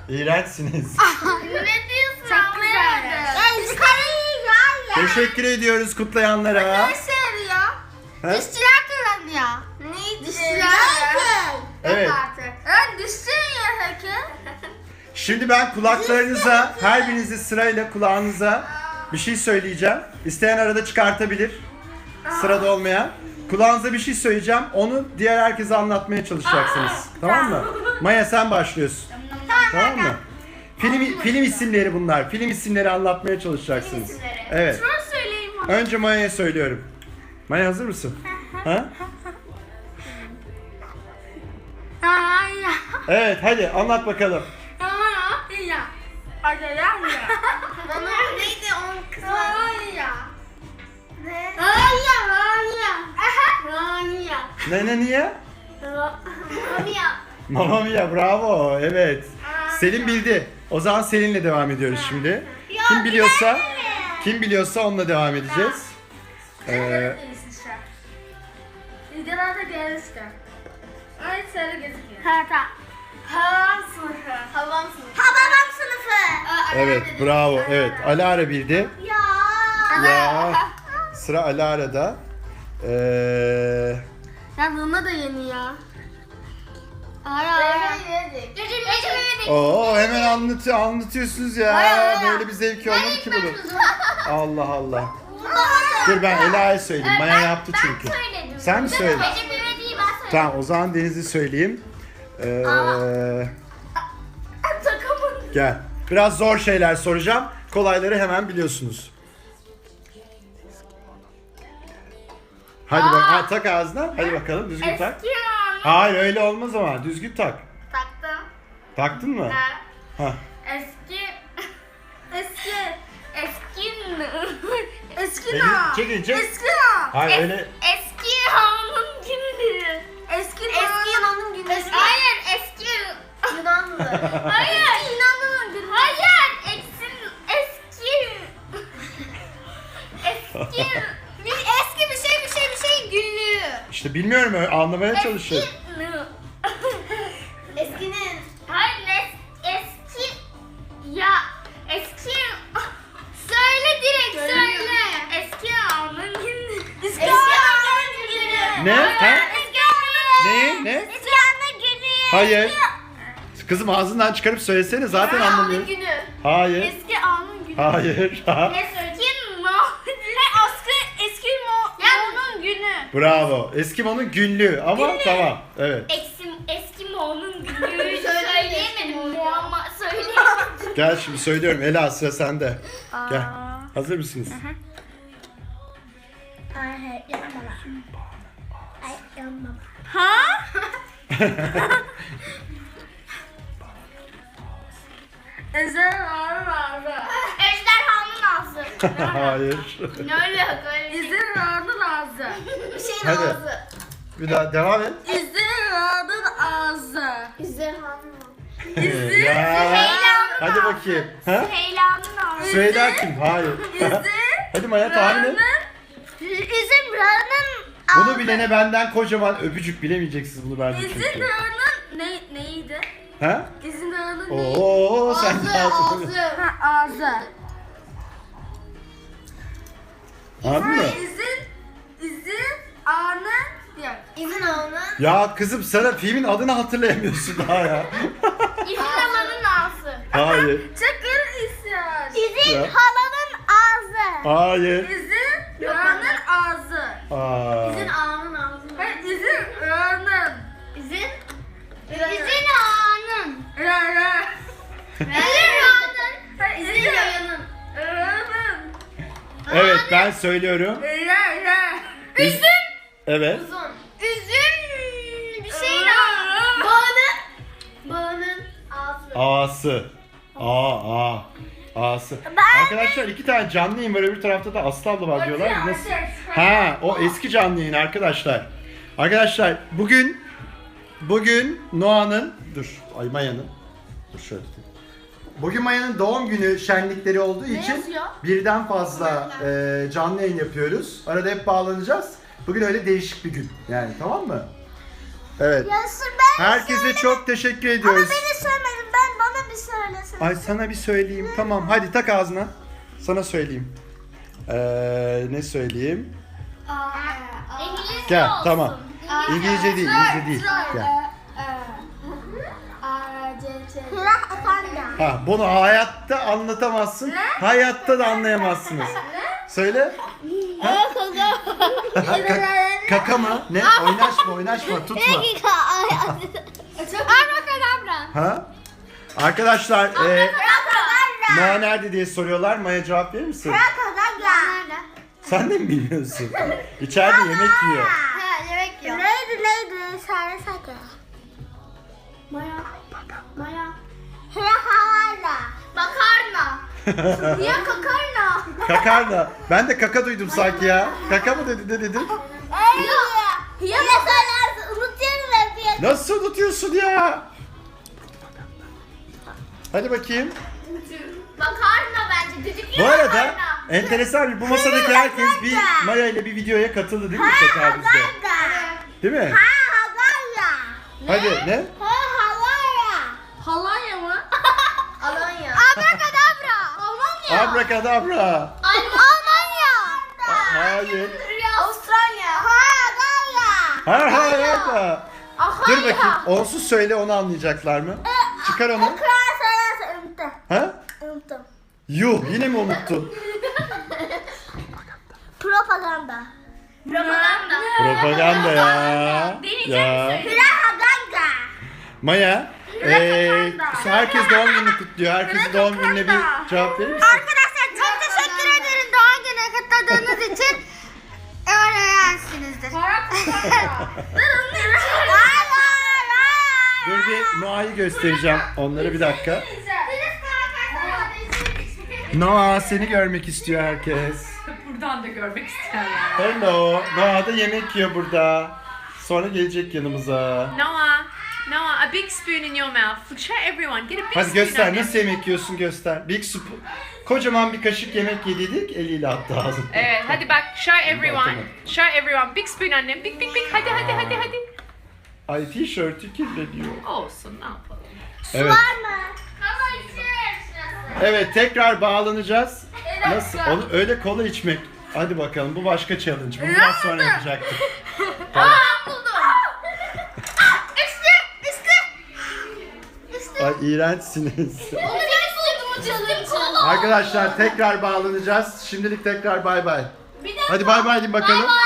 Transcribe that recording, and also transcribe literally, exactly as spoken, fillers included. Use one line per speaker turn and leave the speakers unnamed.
İğrençsiniz.
Ne diyorsun? Çok güzel.
Teşekkür ediyoruz kutlayanlara.
Arkadaşlar ya.
He?
Dişçiler kazanıyor. Ne dişçiler?
Evet.
Evet dişçiler ya peki.
Şimdi ben kulaklarınıza, her birinizi sırayla kulağınıza bir şey söyleyeceğim. İsteyen arada çıkartabilir. Sırada olmayan. Kulağınıza bir şey söyleyeceğim. Onu diğer herkese anlatmaya çalışacaksınız. Tamam mı? Maya sen başlıyorsun. Tamam mı? Film film isimleri bunlar. Film isimleri anlatmaya çalışacaksınız. Evet.
Şunu söyleyeyim ona.
Önce Maya'ya söylüyorum. Maya hazır mısın? Ha?
Ay ya.
Evet hadi anlat bakalım.
Ay ya. Ay ya ya. Bana neydi onun kızı? Ay ya. Ne? Ay ya. Ay ya. Ay ya.
Ne ne niye?
Ay ya.
Mamma Mia bravo evet. Selin bildi. O zaman Selin'le devam ediyoruz şimdi. Kim biliyorsa kim biliyorsa onunla devam edeceğiz. Ee,
Videolarda gelirse. Ay sarı gözüküyor. Ha tamam. Havam sınıfı. Havam sınıfı. Havam sınıfı.
evet bravo evet Alara bildi.
Ya.
Ya sıra Alara'da. Ee,
Ya buna da yeni ya. Ara ara. Gece yedik.
Oo hemen anlatı anlatıyorsunuz ya. Böyle bir zevki olur mu ki bunun? Allah Allah. Dur ben Ela'ya söyleyeyim. Maya yaptı çünkü. Sen mi söyledin?
Gece büyüdüğü ben söyledim.
Tamam o zaman Deniz'i söyleyeyim. Ee,
Takımın.
gel. Biraz zor şeyler soracağım. Kolayları hemen biliyorsunuz. Hadi bak, ha, tak ağzına. Hadi bakalım düzgün tak.
Eski an.
Hayır öyle olmaz ama düzgün tak.
Taktım.
Taktın mı?
Ha.
Ha.
Eski. Eski. Eski. Eski
Elini
na.
çekin, çek.
Eski na.
Hayır,
Es-
öyle-
Eski hanın günü. Eski Eski Yunan'ın günü. Hayır eski Yunanlı. Hayır Yunanlı'nın günü. Hayır eksin eski. Eski. Bir eski bir şey bir şey bir şey günlüğü.
İşte bilmiyorum öyle anlamaya çalışıyorum.
Eskinin. Hayır es, eski. Ya eski. Söyle direkt söyle. Eski anın günü. Eski anın günü.
Ne? Ha?
Eski anın
Ne? Ne?
Eski anın günü.
Hayır. Kızım ağzından çıkarıp söylesene zaten anlamıyorum.
Günü.
Hayır.
Eski anın günü.
Hayır.
Eski mo. Ne askı eski mo. Mo'nun günü.
Bravo. Eskimo'nun günlüğü ama tamam. Evet.
Eski eski mo'nun günü. Söyleyemedim mo ama söyleyemedim.
Gel şimdi söylüyorum. Ela sıra sende. Gel. Hazır mısınız?
Ha? Ejderhanın ağzı. Ejderhanın ağzı.
Hayır.
Ne alaka? Ejderhanın ağzı. Bir şeyin
Hadi.
ağzı.
Bir daha devam et.
Ejderhanın ağzı. Ejderhanın ağzı.
ya. Hadi bakayım. Ha?
Süheyla'nın ağzı.
Süheyla kim? Hayır. Hadi Maya tahmin et.
İzin Ra'nın
Bunu bilene benden kocaman öpücük, bilemeyeceksiniz bunu bence
İzin
çünkü.
Ra'nın ne, neydi?
Ha?
İzin Ra'nın neydi?
Oo sen de ağzı.
Ha ağzı.
Anladın mı?
İzin, izin A'nın yok. İzin A'nın.
Ya kızım sana filmin adını hatırlayamıyorsun daha ya.
İzin Halanın ağzı.
Hayır.
Çakır isyan.
Ya.
İzin Halanın ağzı.
Hayır.
İzin Ra'nın ağzı.
Aa.
İzin A'nın ağzı. Hayır izin Ra'nın. İzin? İzin A'nın. Ra ra. İzin Ra'nın. Hayır izin Ra'nın. Ra'nın.
Evet ben söylüyorum.
Ra ra. Üzüm.
Evet.
Uzun. Üzüm bir şey daha. Bağının. Bağının ağzı.
A'sı. A A. A'sı. Arkadaşlar iki tane canlı yayın var, öbür tarafta da Aslı abla var diyorlar. Nasıl? Ha o eski canlı yayın arkadaşlar. Arkadaşlar bugün bugün Noah'nın dur ay Maya'nın dur şöyle tutayım. Bugün Maya'nın doğum günü şenlikleri olduğu için
yazıyor?
birden fazla e, canlı yayın yapıyoruz. Arada hep bağlanacağız. Bugün öyle değişik bir gün yani, tamam mı? Evet.
Yasir ben
Herkese çok teşekkür ediyoruz.
söylemedim. Ben bana bir söylesene.
Ay sana bir söyleyeyim. Tamam hadi tak ağzına. Sana söyleyeyim. Ee, ne söyleyeyim?
İngilizce
Gel
olsun.
tamam. İngilizce değil, İngilizce değil. Gel. Ha, bunu hayatta anlatamazsın. Hayatta da anlayamazsınız. Söyle. Ha? Ka- kaka mı? Ne? Oynaşma, oynaşma, tutma.
Abracadabra.
Ha? Arkadaşlar, e, Maya nerede diye soruyorlar. Maya cevap verir misin? Sen de mi bilmiyorsun? İçeride yemek yiyor.
Ha, yemek yiyor. Neydi neydi? Söyle sakın. Maya. Maya. Makarna. Makarna. Niye kakarna?
Kakarna. Ben de kaka duydum sanki ya. Kaka mı dedi, ne dedin?
Ya söylersin. Unutuyorum hep.
Nasıl unutuyorsun ya? Hadi bakayım.
Makarna bence. Düdüklü
Bu arada
makarna.
enteresan bir bu masadaki herkes bir Maya ile bir videoya katıldı değil mi tekrarımızda? Değil mi? Hadi ne?
Halanya mı? Alanya. Abrakadabra. Almanya.
Abrakadabra.
Almanya.
Hayır.
Avustralya. Almanya.
Ha ha ha. Dur bakayım. Onsuz söyle onu anlayacaklar mı? Çıkar onu. Ha? Yuh yine mi unuttun?
Propaganda. Propaganda.
Propaganda ya. Ya.
Propaganda.
Maya. Eee herkes doğum gününü kutluyor. Herkesin doğum gününe bir cevap verir misin?
Arkadaşlar çok teşekkür ederim doğum günü kutladığınız için. Öğrensinizdir.
Dur bir Noah'yı göstereceğim onlara bir dakika. Noah seni görmek istiyor herkes.
Buradan da görmek isteyenler.
Hello. Noah da yemek yiyor burada. Sonra gelecek yanımıza.
Noah, Noah, a big spoon in your mouth. Show everyone. Get a big
Hadi
spoon.
göster
on
nasıl
them.
yemek yiyorsun göster. Big soup. Kocaman bir kaşık yemek yediydik eliyle attı ağzına.
Evet, hadi bak. Show everyone.
Tamam.
Show everyone. Big spoon annem. Big big big. Hadi hadi hadi hadi.
Ay tişörtü kirleniyor.
Olsun, ne yapalım.
Evet. Evet tekrar bağlanacağız. Nasıl? Onu öyle kola içmek. Hadi bakalım bu başka challenge. Bunu biraz sonra yapacaktık. Tamam.
Buldum. İşte, işte. İşte.
Ay iğrençsiniz.
Onu ben buldum o challenge.
Arkadaşlar tekrar bağlanacağız. Şimdilik tekrar bay bay.
Bir dakika.
Hadi bay bay deyin bakalım.